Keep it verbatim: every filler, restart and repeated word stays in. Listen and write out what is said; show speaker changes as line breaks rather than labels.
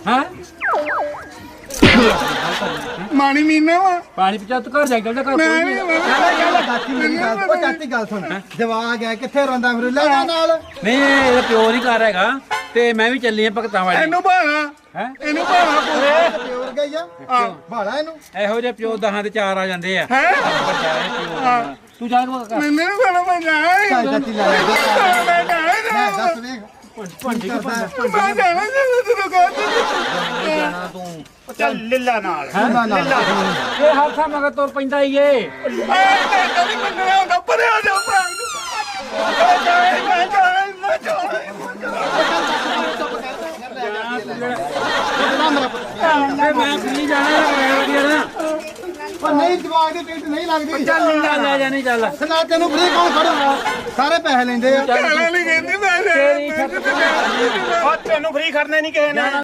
ਹੈ
ਮਾਣੀ ਮੀਨਾ ਵਾ
ਪਾਣੀ ਪਿਆ ਤੂੰ ਘਰ ਜਾ ਕੇ ਘਰ
ਮੈਂ ਨਹੀਂ
ਚਾਚੀ ਮੇਰੀ ਗੱਲ ਉਹ ਚਾਚੀ ਗੱਲ ਸੁਣ ਜਵਾਕ ਹੈ ਕਿੱਥੇ ਰੋਂਦਾ ਫਿਰ ਲੈ ਜਾ ਨਾਲ
ਨਹੀਂ ਇਹਦਾ ਪਿਓ ਨਹੀਂ ਘਰ ਹੈਗਾ ਤੇ ਮੈਂ ਵੀ ਚੱਲੀ ਆ ਭਗਤਾਂ ਵਾਲੀ
ਇਹਨੂੰ ਭਾਣਾ
ਹੈ
ਇਹਨੂੰ ਭਾਣਾ ਪੂਰੇ
ਪਿਓਰ ਗਈ ਆ ਭਾੜਾ ਇਹਨੂੰ
ਇਹੋ ਜਿਹੇ ਪਿਓ ਦਹਾਂ ਤੇ ਚਾਰ ਆ ਜਾਂਦੇ ਆ
ਹੈ
ਤੂੰ ਜਾ ਕੇ
ਮੈਨੂੰ ਨਹੀਂ ਭਾਣਾ ਮੈਂ ਜਾਣਾ
ਚਾਚੀ ਲੈ ਜਾ
ਮੈਂ ਜਾਣਾ
ਮੈਂ ਦੱਸ ਵੇਖ
ਭੰਡੀ
ਮੈਂ ਜਾਣਾ ਤੈਨੂੰ ਕਹਿੰਦਾ
ਤੂੰ ਚੱਲ ਲਿੱਲਾ ਨਾਲ
ਲਿੱਲਾ
ਇਹ ਹਾਥਾ ਮਗਰ ਤੁਰ ਪੈਂਦਾ ਈ ਏ
ਮੈਂ ਨਹੀਂ ਮੰਨਣਾ ਹੁੰਦਾ ਪਰੇ ਆ ਜਾ ਭਰਾ ਮੈਂ ਜਾਣਾ ਮੈਂ ਜਾਣਾ ਮੈਂ ਜਾਣਾ
ਤੇ ਮੈਂ ਫਰੀ ਜਾਣਾ ਜਾਣਾ
ਪਰ ਨਹੀਂ ਜਵਾਕ ਦੀ ਟਿਕਟ ਨਹੀਂ ਲੱਗਦੀ
ਚੱਲ ਲੈ ਲੈ ਜਾਣੀ ਚੱਲ
ਨਾ ਤੈਨੂੰ ਫ੍ਰੀ ਕੌਣ ਖੜੂਗਾ ਸਾਰੇ ਪੈਸੇ ਲੈਂਦੇ ਆ
ਕਹਿਣਾ ਨਹੀਂ ਕਹਿੰਦੀ ਮੈਂ
ਤੇਰੀ
ਉਹ ਤੈਨੂੰ ਫ੍ਰੀ ਖੜਨੇ ਨਹੀਂ ਕਿਸੇ ਨੇ